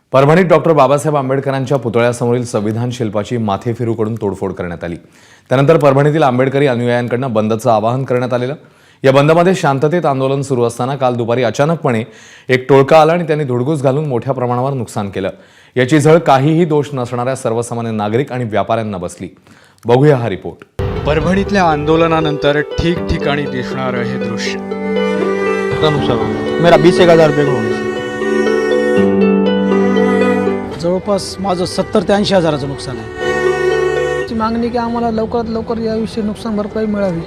परभणीत डॉक्टर बाबासाहेब आंबेडकरांच्या पुतळ्यासमोरील संविधान शिल्पाची माथेफिरूकडून तोडफोड करण्यात आली। त्यानंतर परभणीतील आंबेडकरी अनुयायांकडून बंदचं आवाहन करण्यात आलेलं। या बंदमध्ये शांततेत आंदोलन सुरू असताना काल दुपारी अचानकपणे एक टोळका आला आणि त्यांनी धुडगूस घालून मोठ्या प्रमाणावर नुकसान केलं। याची झळ काहीही दोष नसणाऱ्या सर्वसामान्य नागरिक आणि व्यापाऱ्यांना बसली। बघूया हा रिपोर्ट। परभणीतल्या आंदोलनानंतर ठिकठिकाणी दिसणारं हे दृश्य। मेरा 20,000 रुपये होणे जवळपास माझं 70 ते 80 हजाराचं नुकसान आहे। ची मागणी की आम्हाला लवकरात लवकर याविषयी नुकसान भरपाई मिळावी।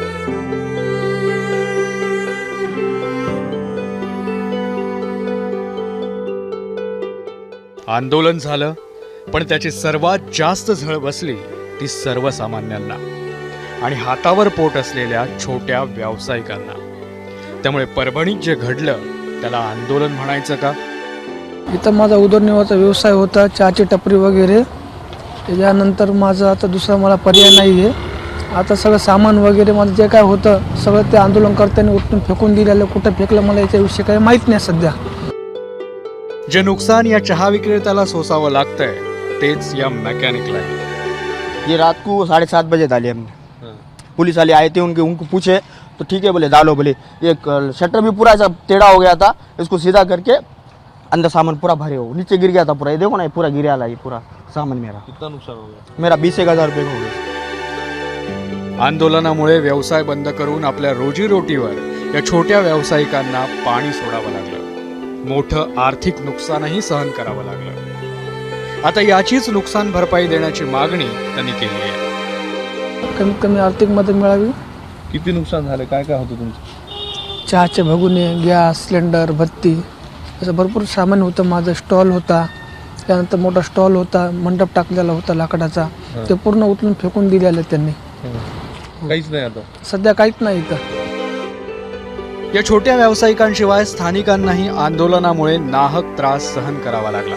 आंदोलन झालं, पण त्याची सर्वात जास्त झळ बसली ती सर्वसामान्यांना आणि हातावर पोट असलेल्या छोट्या व्यावसायिकांना। त्यामुळे परभणीत जे घडलं त्याला आंदोलन म्हणायचं का? इथं माझा उदरनिर्वाहाचा व्यवसाय होता, चहाची टपरी वगैरे। त्याच्यानंतर माझं आता दुसरा मला पर्याय नाही आहे। आता सगळं सामान वगैरे माझं जे काय होतं सगळं ते आंदोलनकर्त्यांनी उठून फेकून दिलेलं। कुठं फेकलं मला याच्याविषयी काही माहीत नाही सध्या। जे नुकसान या चहा विक्रेत्याला सोसावं लागतंय तेच या मैकेनिकला है। ये रात को 7:30 बजे डाले हमने। पुलिस वाले आए थे, उनको पूछे तो ठीक है बोले डालो। बोले ये शटर भी पूरा ऐसा टेढ़ा हो गया था, इसको सीधा करके अंदर सामान पूरा भरे हो, नीचे गिर गया था पूरा। ये देखो ना, ये पूरा गिरा ला, ये पूरा सामान मेरा। कितना नुकसान हो गया? मेरा 20,000 रुपये हो गया। आंदोलनामुळे व्यवसाय बंद करून आपल्या रोजीरोटीवर या छोट्या व्यावसायिकांना पाणी सोडावं लागलं। मोठं आर्थिक नुकसानही सहन करावं लागलं। आता याचीच नुकसान भरपाई देण्याची मागणी त्यांनी केली आहे। कमीत कमी आर्थिक मदत मिळावी। किती नुकसान झालं, काय काय होतं तुमचं? चहाचे भगुने, गॅस सिलेंडर, बत्ती असं भरपूर सामान होतं। माझं स्टॉल होता, त्यानंतर मोठा स्टॉल होता, मंडप टाकलेला होता लाकडाचा, ते पूर्ण उचलून फेकून दिलेलं त्यांनी। काहीच नाही आता सध्या काहीच नाही इथं। या छोट्या व्यावसायिकांशिवाय स्थानिकांनाही आंदोलनामुळे नाहक त्रास सहन करावा लागला।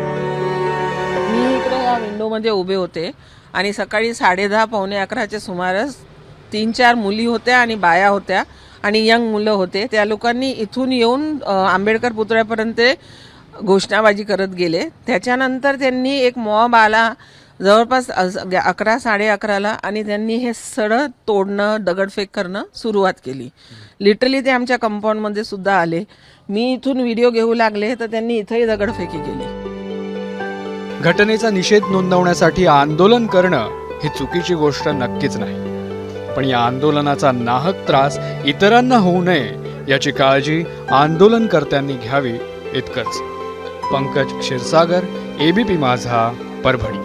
मी इकडे या विंडोमध्ये उभे होते आणि सकाळी 10:30 पावणे 11च्या सुमारास 3-4 मुली होत्या आणि बाया होत्या आणि यंग मुलं होते। त्या लोकांनी इथून येऊन आंबेडकर पुतळ्यापर्यंत घोषणाबाजी करत गेले। त्याच्यानंतर त्यांनी एक मॉब आला जवळपास 11 11:30ला आणि त्यांनी हे सडक तोडणं, दगडफेक करणं सुरुवात केली। लिटरली ते आमच्या कंपाऊंडमध्ये सुद्धा आले। मी इथून व्हिडिओ घेऊ लागले तर त्यांनी इथंही दगडफेकी केली। घटनेचा निषेध नोंदवण्यासाठी आंदोलन करणं ही चुकीची गोष्ट नक्कीच नाही, पण या आंदोलनाचा नाहक त्रास इतरांना होऊ नये याची काळजी आंदोलनकर्त्यांनी घ्यावी इतकंच। पंकज क्षीरसागर, एबीपी माझा, परभणी।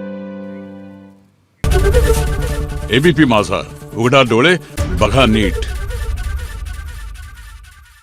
एबीपी माझा, उघडा डोळे बघा नीट।